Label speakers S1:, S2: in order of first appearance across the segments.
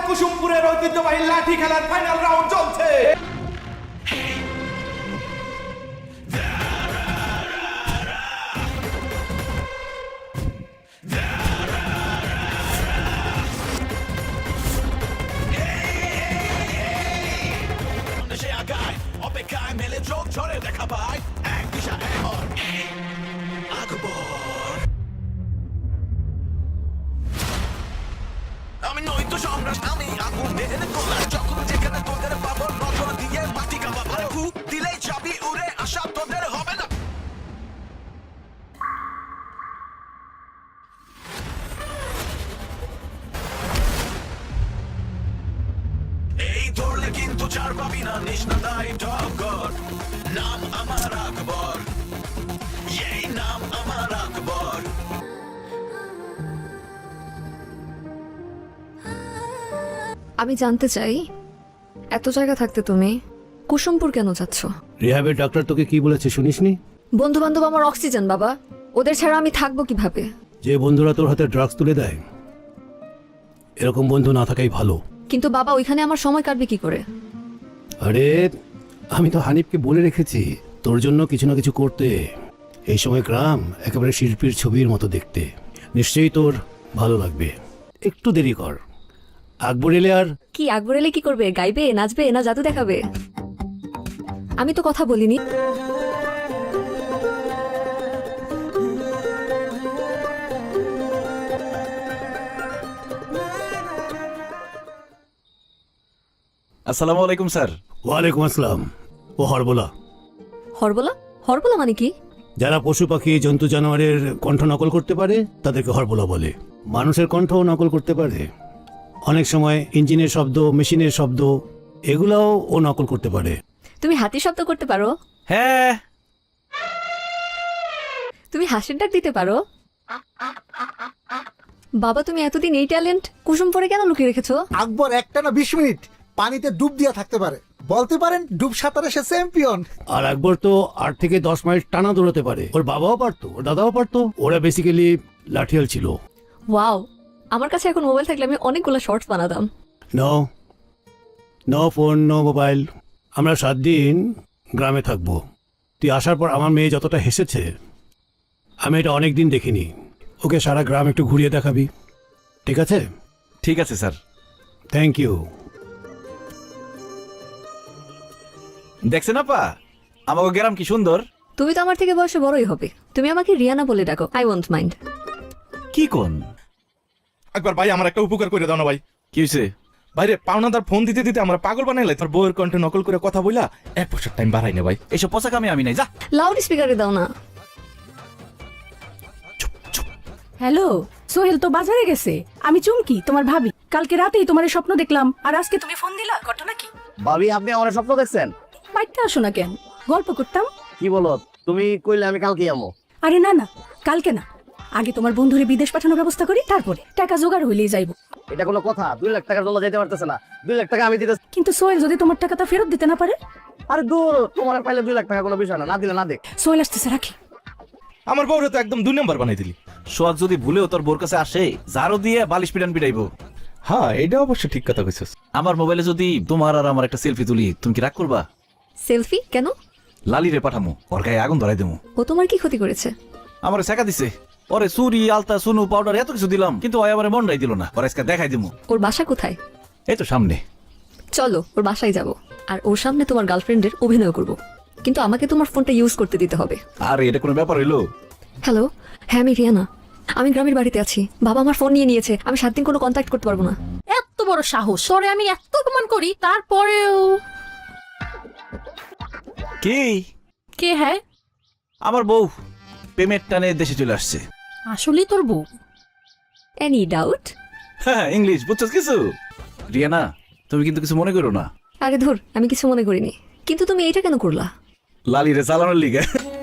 S1: কুসুমপুরের ঐতিহ্যবাহী লাঠি খেলার ফাইনাল রাউন্ড চলছে। অপেক্ষায় মেলে চোখ ঝরে দেখা পায় এক দিশা এখন আকবর। আমি নই তো সম্রাট, আমি আগুনের গোলা, যখন যেখানে তোদের পাবো নজর দিয়ে মাটি কাঁপাবো, ফুক দিলেই যাবি উড়ে, আশা তোদের হবে না। এই ধরলে কিন্তু চার পাবি না, নিষ্ণাদাই টগর, নাম আমার আকবর, এই নাম আমার আকবর।
S2: আমি জানতে চাই, এত জায়গা থাকতে তুমি কুসুমপুর কেন যাচ্ছ?
S3: রিহাবের ডাক্তার তোকে কি বলেছে শুনিসনি?
S2: বন্ধু বান্ধব আমার অক্সিজেন বাবা, ওদের ছাড়া আমি থাকবো কিভাবে?
S3: যে বন্ধুরা তোর হাতে ড্রাগস তুলে দেয়, এরকম বন্ধু না থাকাই ভালো।
S2: কিন্তু বাবা ওইখানে আমার সময় কাটবে কি করে?
S3: আরে আমি তো হানিফকে বলে রেখেছি তোর জন্য কিছু না কিছু করতে। এই সময় গ্রাম একেবারে শিল্পীর ছবির মতো দেখতে, নিশ্চয়ই তোর ভালো লাগবে। একটু দেরি কর, আকবর এলে আর
S2: কি আকবর এলে কি করবে? গাইবে, নাচবে, না জাদু দেখাবে? আমি তো কথা বলিনি।
S4: আসসালামু আলাইকুম স্যার।
S3: ওয়ালাইকুম আসসালাম। ও হরবোলা।
S2: হরবোলা? হরবোলা মানে কি?
S3: যারা পশু পাখি জন্তু জানোয়ারের কণ্ঠ নকল করতে পারে তাদেরকে হরবোলা বলে। মানুষের কণ্ঠও নকল করতে পারে, অনেক সময় ইঞ্জিনের শব্দ, মেশিনের শব্দ, এগুলাও ও নকল করতে পারে।
S2: তুমি হাতির শব্দ করতে পারো?
S4: হ্যাঁ।
S2: তুমি হাসির ডাক দিতে পারো? বাবা তুমি এতদিন এই ট্যালেন্ট কুসুমপুরে কেন লুকিয়ে রেখেছো?
S5: আকবর একটানা 20 মিনিট পানিতে ডুব দিয়া থাকতে পারে, বলতে পারেন ডুব সাঁতারে সে চ্যাম্পিয়ন।
S3: আর আকবর তো 8 থেকে 10 মাইল টানা দৌড়াতে পারে। ওর বাবাও পারতো, ওর দাদাও পারতো। ওরা বেসিক্যালি লাঠিয়াল ছিল।
S2: ওয়াও, আমার কাছে এখন মোবাইল থাকলে আমি অনেকগুলো শর্টস বানাতাম।
S3: No no phone, no mobile. আমরা 7 দিন গ্রামে থাকবো। তুই আসার পর আমার মেয়ে যতটা হেসেছে, আমি এটা অনেক দিন দেখিনি। ওকে সারা গ্রাম একটু ঘুরিয়ে দেখাবি, ঠিক আছে?
S4: ঠিক আছে স্যার।
S3: Thank you.
S4: দেখছেন আপা আমাকে গ্রাম কি সুন্দর।
S2: তুমি তো আমার থেকে বয়সে বড়ই হবে। তুমি আমাকে রিয়ানা বলে ডাকো, আই ওয়ন্ট মাইন্ড।
S4: কি কোন?
S1: একবার ভাই আমার একটা উপকার করে দাও না ভাই।
S4: কি হয়েছে?
S1: বাইরে পাওনাদার ফোন দিতে দিতে আমরা পাগল বানাইলে, তোর বউয়ের কণ্ঠে নকল করে কথা বইলা 1 বছর টাইম বাড়াই না ভাই।
S4: এইসব পোশাক আমি নাই, যা।
S2: লাউড স্পিকারে দাও না।
S6: হ্যালো, সোহেল তো বাজারে গেছে। আমি চুমকি, তোমার ভাবি। কালকে রাতেই তোমার স্বপ্ন দেখলাম, আর আজকে তুমি ফোন দিলা। ঘটনা কি?
S7: ভাবি আপনি আমার স্বপ্ন দেখছেন?
S6: বাড়িতে আসো না কেন? গল্প করতাম।
S7: কি বলো তুমি? কইলে আমি কালকে যাবো।
S6: আরে না না, কালকে না, আগে তোমার বন্ধুরে বিদেশ পাঠানোর ব্যবস্থা করি, তারপরে টাকা জোগাড় হইলেই যাইব।
S7: এটা কোনো কথা? 2 লাখ টাকার জন্য যেতে পারতেছে না। 2 লাখ টাকা আমি দিতে।
S6: কিন্তু সোহেল যদি তোমার টাকাটা ফেরত দিতে না পারে?
S7: আরে দূর, তোমার পাইলে 2 লাখ টাকা কোনো বিষয় না, না দিলে না দেখ।
S6: সোহেল আসতেছে, রাখি।
S1: আমার বউরে তো একদম 2 নম্বর বানাই দিলি।
S4: সোহাগ যদি ভুলেও তোর বোর কাছে আসে, ঝাড়ু দিয়ে বালিশ পিটান পিটাইবো।
S1: হ্যাঁ, এটা অবশ্য ঠিক কথা কইছস।
S4: আমার মোবাইলে যদি তোমার আর আমার একটা সেলফি তুলি, তুমি কি রাগ করবা?
S2: সেলফি কেন?
S4: লালিরে পাঠামো, ওর গায়ে আগুন ধরাই দেবো।
S2: ও তোমার কি ক্ষতি করেছে?
S4: আমার শেখা দিছে। ওরে চুরি, আলতা, সুনু, পাউডার এত কিছু দিলাম, কিন্তু ওই আমার মনটাই দিল না। ওর আজকে দেখাই দেবো।
S2: ওর বাসা কোথায়?
S4: এই তো সামনে।
S2: চলো ওর বাসায় যাব, আর ওর সামনে তোমার গার্লফ্রেন্ডের অভিনয় করব। কিন্তু আমাকে তোমার ফোনটা ইউজ করতে দিতে হবে।
S4: আর এটা কোনো ব্যাপার হইলো?
S2: হ্যালো, হ্যাঁ আমি রিয়ানা। আমি গ্রামের বাড়িতে আছি। বাবা আমার ফোন নিয়ে নিয়েছে। আমি 7 দিন কোনো কন্ট্যাক্ট করতে পারবো না।
S6: এত বড় সাহস! তোরে আমি এত অপমান করি, তারপরেও।
S4: কি?
S6: কে? হ্যাঁ,
S4: আমার বউ পেমেন্ট টানে দেশে চলে আসছে।
S6: আসলেই তোর বউ?
S2: Any doubt?
S4: হ্যাঁ, ইংলিশ বুঝছস কিছু? রিয়ানা, তুমি কিন্তু কিছু মনে করো না।
S2: আরে ধুর, আমি কিছু মনে করিনি। কিন্তু তুমি এইটা কেন করলা?
S4: লালিরে চালানোর লিগে।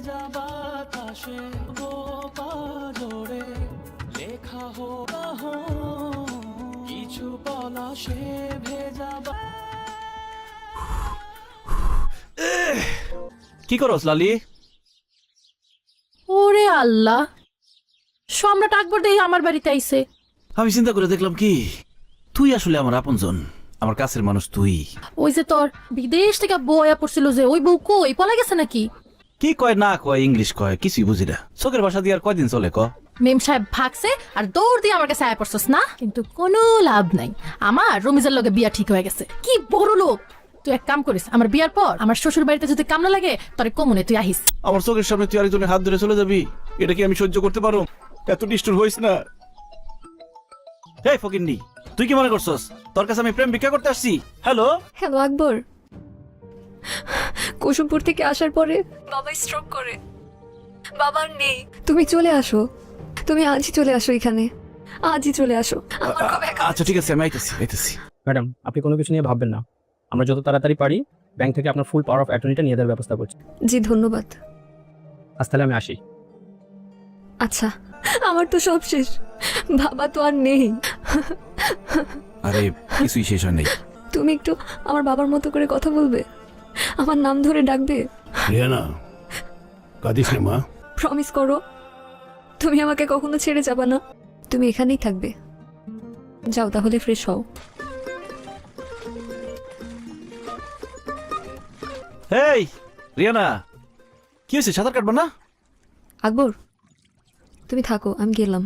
S4: কি করস লালি?
S6: ওরে আল্লাহ, সম্রাট আকবর দেই আমার বাড়িতে আইছে।
S4: আমি চিন্তা করে দেখলাম কি তুই আসলে আমার আপনজন, আমার কাছের মানুষ তুই।
S6: ওই যে তোর বিদেশ থেকে বয়া পড়ছিল যে ওই বউ কই পলা গেছে নাকি?
S4: কি কয় না কয়, ইংলিশ কয়, কিছুই বুঝি না। চোখের ভাষা দিয়ে আর কয়দিন চলে ক?
S6: মেম সাহেব ভাগছে আর দৌড় দিয়ে আমার কাছে আয়া পড়ছস না, কিন্তু কোনো লাভ নাই। আমার রমিজের লগে বিয়া ঠিক হয়ে গেছে। কি বড় লোক! তুই এক কাম করিস, আমার বিয়ার পর আমার শ্বশুর বাড়িতে যদি কাম না লাগে তোরে কমনে তুই আহিস।
S4: আমার চোখের সামনে তুই আরেকজনের হাত ধরে চলে যাবি, এটা কি আমি সহ্য করতে পারো? এত নিষ্ঠুর হইস না। হেই ফকিন্নি, তুই কি মনে করছস তোর কাছে আমি প্রেম ভিক্ষা করতে আসছি? হ্যালো
S2: হ্যালো আকবর, কুসুমপুর থেকে আসার পরে বাবা স্ট্রোক করে, বাবার নেই। তুমি চলে আসো, তুমি আজই চলে আসো, এখানে আজই চলে আসো। আমার খুব একা
S4: আচ্ছা ঠিক আছে, আমি আইতেছি।
S8: ম্যাডাম, আপনি কোনো কিছু নিয়ে ভাববেন না। আমরা যত তাড়াতাড়ি পারি ব্যাংক থেকে আপনার ফুল পাওয়ার অফ অ্যাটর্নিটা নিয়ে দেওয়ার ব্যবস্থা করছি।
S2: জি ধন্যবাদ।
S8: আজ তাহলে আমি আসি।
S2: আচ্ছা, আমার তো সব শেষ, বাবা তো আর নেই।
S4: আরে কিছুই শেষ হয় নাই।
S2: তুমি একটু আমার বাবার মতো করে কথা বলবে, আমার নাম ধরে ডাকবে,
S3: রিয়ানা, কাঁদিস না মা।
S2: প্রমিস করো তুমি আমাকে কখনো ছেড়ে যাবা না, তুমি এখানেই থাকবে। যাও তাহলে, ফ্রেশ হও।
S4: হেই রিয়ানা, কি হয়েছে, সাঁতার কাটবা না?
S2: আকবর তুমি থাকো, আমি গেলাম।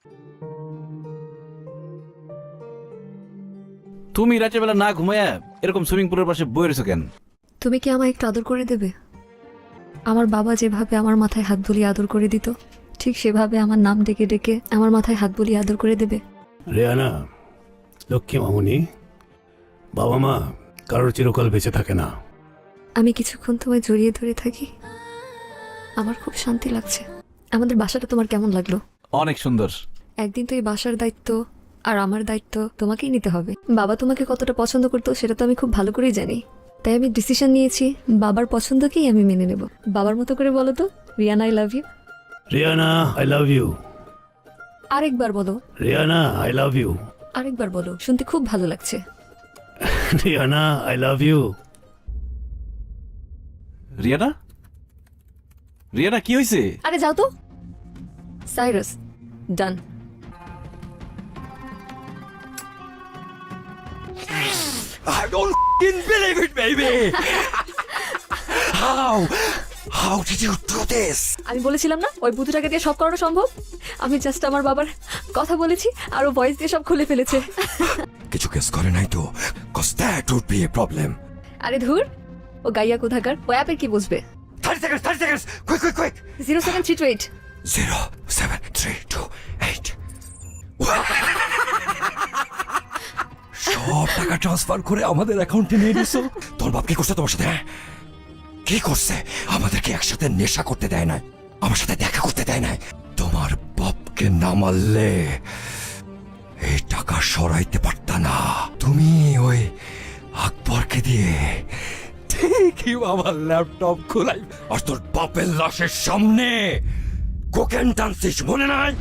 S4: তুমি রাতের বেলা না ঘুমায়া এরকম সুইমিং পুলের পাশে বয়ে রয়েছো কেন?
S2: তুমি কি আমায় একটু আদর করে দেবে? আমার বাবা যেভাবে আমার মাথায় হাত বুলিয়ে আদর করে দিত, ঠিক সেভাবে আমার নাম ডেকে ডেকে আমার মাথায় হাত বুলিয়ে আদর করে দেবে।
S3: রিয়ানা, লক্ষ্মী মামুনি, বাবা মা কারোর চিরকাল বেঁচে থাকে না।
S2: আমি কিছুক্ষণ তোমায় জড়িয়ে ধরে থাকি, আমার খুব শান্তি লাগছে। আমাদের বাসাটা তোমার কেমন লাগলো?
S4: অনেক সুন্দর।
S2: একদিন তো এই বাসার দায়িত্ব আর আমার দায়িত্ব তোমাকেই নিতে হবে। বাবা তোমাকে কতটা পছন্দ করতো সেটা তো আমি খুব ভালো করেই জানি, তাই আমি ডিসিশন নিয়েছি বাবার পছন্দকেই আমি মেনে নেব। বাবার মতো করে বলো তো, Riyana I love you.
S3: Riyana I love you.
S2: আরেকবার বলো।
S3: Riyana I love you.
S2: আরেকবার বলো, শুনতে খুব ভালো লাগছে।
S3: Riyana I love you.
S4: Riyana, Riyana কি হয়েছে?
S2: আরে যাও তো। Cyrus, done.
S1: I don't believe it, baby! How did you do this?
S2: আমি বলেছিলাম না ওই বুতুটাকে দিয়ে সব করানো সম্ভব। আমি জাস্ট আমার বাবার কথা বলেছি আর ও ভয়েস দিয়ে সব খুলে ফেলেছে।
S1: কিছু কেস করে নাই তো? Cause that would be a problem.
S2: আরে ধুর, ও গাইয়া কোথাকার, ও অ্যাপের কি বুঝবে?
S1: 30 seconds! Quick!
S2: 07328।
S1: 07328. সব টাকা ট্রান্সফার করে আমাদের অ্যাকাউন্টে নিয়ে নিছো? তোর বাপ কি করছে তোমার সাথে? হ্যাঁ? কি করছে? আমাদেরকে একসাথে নেশা করতে দেয় না, আমার সাথে দেখা করতে দেয় না। তোমার বাপকে না মারলে এই টাকা সরাইতে পারতা না। তুমি ওই আকবরকে দিয়ে ঠিকই আমার ল্যাপটপ খোলাই আর তোর বাপের লাশের সামনে কোকেন টানছিস, মনে নাই?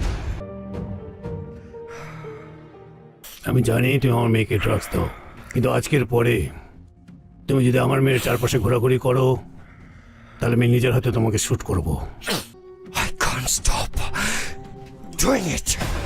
S3: আমি জানি তুমি আমার মেয়েকে ড্রাগস দাও, কিন্তু আজকের পরে তুমি যদি আমার মেয়ের চারপাশে ঘোরাঘুরি করো তাহলে আমি নিজের হাতে তোমাকে শ্যুট করব।
S1: I can't stop doing it.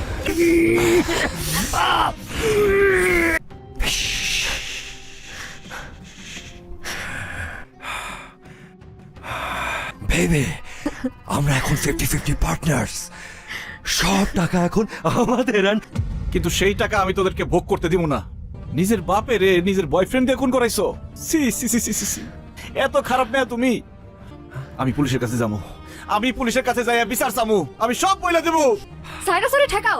S1: Baby, আমরা এখন 50-50 পার্টনার্স। সব টাকা এখন আমাদের।
S4: কিন্তু সেই টাকা আমি তোদেরকে ভোগ করতে দিব না। নিজের বাপের নিজের বয়ফ্রেন্ড দিয়ে খুন করাইছো। সি সি সি সি সি, এত খারাপ মেয়ে তুমি। আমি পুলিশের কাছে যাবো, আমি পুলিশের কাছে যাইয়া বিচার চামু, আমি সব বলে দেবো।
S2: সাইরাস ওরে ঠেকাও।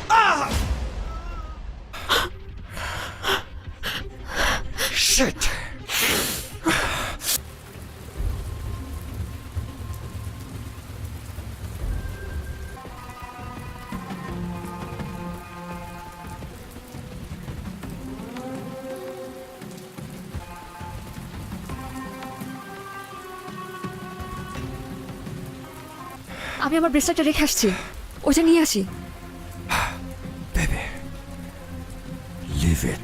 S1: Shit!
S2: আমি আমার ব্রেসলেটটা রেখে আসছি, ওটা নিয়ে আসি।
S1: Baby, leave it.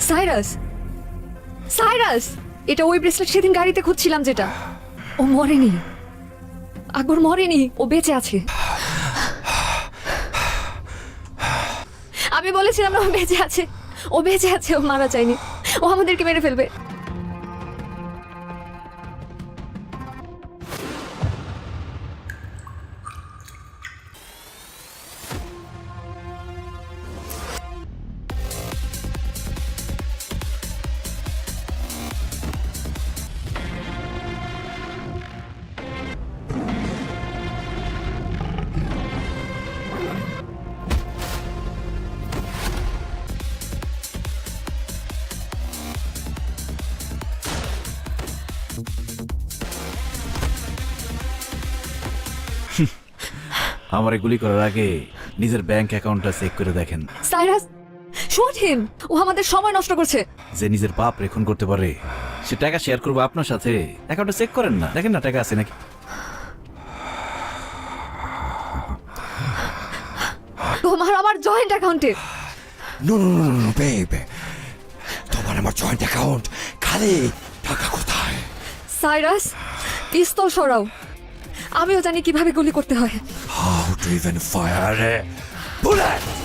S2: Cyrus, Cyrus, এটা ওই ব্রেসলেট সেদিন গাড়িতে খুঁজছিলাম যেটা। ও মরেনি, আকবর মরেনি, ও বেঁচে আছে। আমি বলেছিলাম না ও বেঁচে আছে, ও বেঁচে আছে, ও মারা যায়নি, ও আমাদেরকে মেরে ফেলবে।
S4: আমার গুলি করার আগে নিজের ব্যাংক অ্যাকাউন্টটা চেক করে দেখেন।
S2: সাইরাস, শুট হিম, ও আমাদের সময় নষ্ট করছে।
S4: যে নিজের বাপ রেখন করতে পারে সে টাকা শেয়ার করবো আপনার সাথে। অ্যাকাউন্টটা চেক করেন না, দেখেন না টাকা আছে নাকি।
S2: তোমার আমার জয়েন্ট অ্যাকাউন্টে।
S1: No no no no babe, তোমার আমার জয়েন্ট অ্যাকাউন্ট খালি। টাকা কোথায়?
S2: সাইরাস, পিস্তল সরাও, আমিও জানি কিভাবে গুলি করতে হয়।
S1: How to even fire bullet.